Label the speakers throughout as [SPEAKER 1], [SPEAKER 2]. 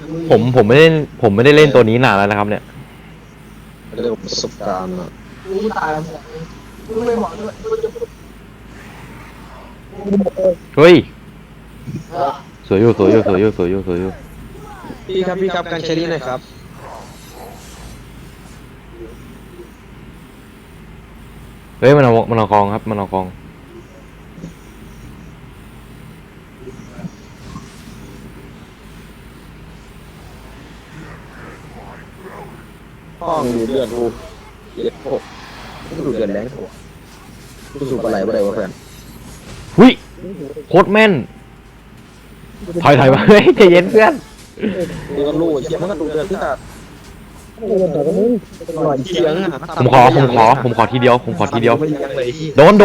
[SPEAKER 1] ผมไม่ได้เล่นตัวนี้นานแล้วนะครับเนี่ย
[SPEAKER 2] เรื่องประสบการณ์อ่ะ
[SPEAKER 3] รู้ตายแล้วรู้ไม่บอกด้วย
[SPEAKER 1] เฮ้ยสวยอยู่
[SPEAKER 2] พี่ครับการใช้นี่หน่อยครับ
[SPEAKER 1] เฮ้ยมันเอากองครับมันเอากอง
[SPEAKER 2] ห้องดูเดือดกูเจ็บโอ้ดูเดือดแรงกูกูสูบอะไรวะเพื่อน
[SPEAKER 1] หุยโคตรแม่นถอยมาเฮ้ยใจเย็นเพื่อน
[SPEAKER 2] ดูกันรู้เจ็บมันก็ดูเดือดที่ตัดหน่อยเฉียงอ่ะ
[SPEAKER 1] ผมขอทีเดียว
[SPEAKER 2] ไม่ยังเลย
[SPEAKER 1] โดน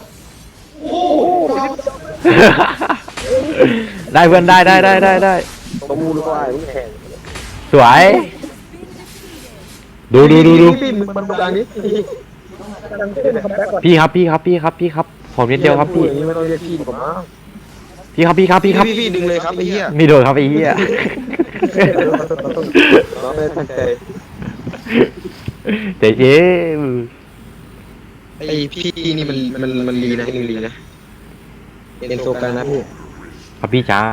[SPEAKER 1] ได้เพื่อนได้
[SPEAKER 2] ตัวมูหรือว่าไอ้แข่ง
[SPEAKER 1] สวยดู
[SPEAKER 2] พี่มันดูดังนี้
[SPEAKER 1] พี่ครับผมนิดเดียวครับพี่
[SPEAKER 2] ไม่ต้องเรียกพี่ผมนะ
[SPEAKER 1] พี่ครับ
[SPEAKER 2] พี่ดึงเลยครับไอ้เหี้ย
[SPEAKER 1] มีโดนครับไอ้เหี้ย
[SPEAKER 2] น้องไม่ตั้งใจ
[SPEAKER 1] เจ๊
[SPEAKER 2] ไอ้พี่นี่มันลีนะลีนะเป็นโซกันนะพี่
[SPEAKER 1] ครับพี่จ้า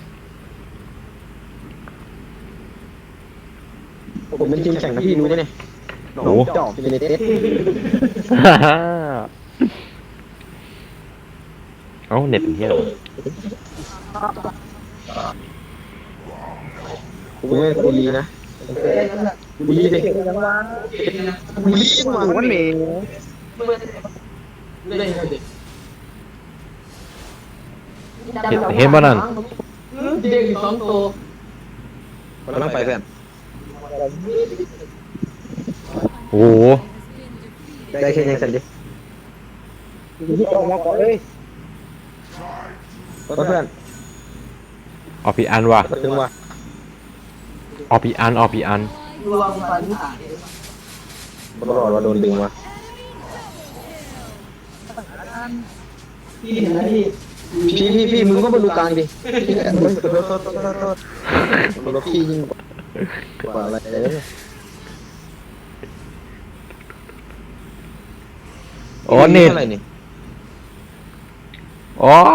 [SPEAKER 2] ผมเป็นทีมแข่งนะพี่รู้ไหมเนี่ยหนองจอกเป็นเต็ด
[SPEAKER 1] เอ้าเน็ตเป็นเหี้ยเหรอ
[SPEAKER 2] ผมไม่คนลีนะบุรีดิบุรีมาวันนี้
[SPEAKER 1] เห็นป่ะนั่น
[SPEAKER 3] เด็กอยู่2 ตัว
[SPEAKER 2] มันต้องไปเพื่อน
[SPEAKER 1] โอ้โห
[SPEAKER 2] ได้แค่ยังสันดิที่ออกมาก่อนเลยเพื่อน
[SPEAKER 1] ออกปีอันว่ะ
[SPEAKER 2] ถึงว่า
[SPEAKER 1] ออกปีอัน
[SPEAKER 3] รวมฟันหาย
[SPEAKER 2] ตลอดว่าโดนดึงมา
[SPEAKER 3] พี่เห็นไหมพี่
[SPEAKER 2] มึงก็มาดูกลางดิโทษพี่ยิ่งกว่าอะไรเลย
[SPEAKER 1] โอ้เน็ต
[SPEAKER 2] อะไรนี่
[SPEAKER 1] อ๋อ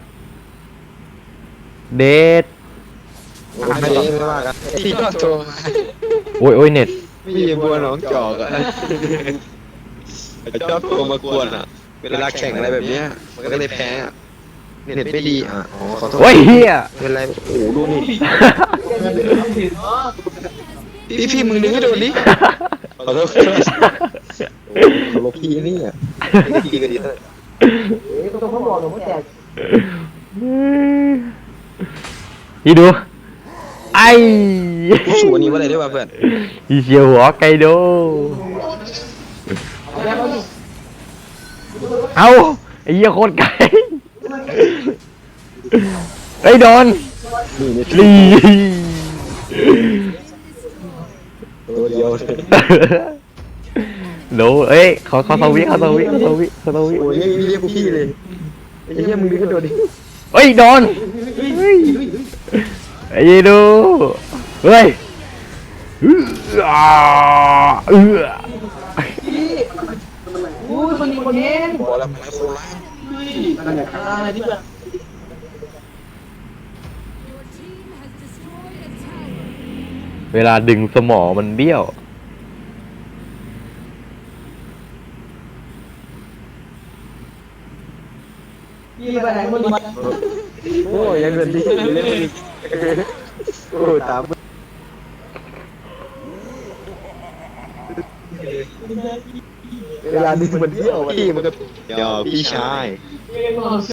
[SPEAKER 1] เดท
[SPEAKER 2] ไม่ว่ากันที่ก็โทรมา
[SPEAKER 1] โอ้ยเน็ต
[SPEAKER 2] พี่บัวหนองจอกอ่ะชอบโทรมากวนอ่ะเวลาแข่งอะไรแบบเนี้ยมันก็เลยแพ้อ่ะเน็ตไม่ดีอ่ะอ๋อขอโทษ
[SPEAKER 1] โอ้ยเฮีย
[SPEAKER 2] เป็นไรโอ้ดูนี่พี่มึงดึงให้โดนดิขอโทษขอโทษพี่นี่อ่ะพี่ก็ดีเลย
[SPEAKER 3] ตัวเขาบอกหนูไม่แตก
[SPEAKER 1] พี่ดูไอ้
[SPEAKER 2] กูสูอันนี้ว่าอะไรด้วยวะเพื่อน
[SPEAKER 1] อีเชียวหัวไกโดเอาไอ้เหี้ยโคตรไกลไอ้โดน
[SPEAKER 2] นี่
[SPEAKER 1] ลี
[SPEAKER 2] ตัวเดียวเลย
[SPEAKER 1] โดเอ้ยขอสวิ
[SPEAKER 2] โอ้ยเรียกกูพี่เลยไอ้เหี้ยมึงดึงให้โดนดิ
[SPEAKER 1] เฮ้ยโดนไอ้ยีดูเฮ้ย
[SPEAKER 3] พี่อุ้ยคนนี้
[SPEAKER 2] บอกแล้วไม่โคราช
[SPEAKER 3] อะไรที่แบบ
[SPEAKER 1] เวลาดึงสมองมันเบี้ยว
[SPEAKER 3] พี่ไปไหนคนนี้
[SPEAKER 2] โอ้ยยังเงินดีเล่นอีกโอ้ตามเวลาดึงมันเที่ยวพี่มันก็เดี๋ยวพี่ชาย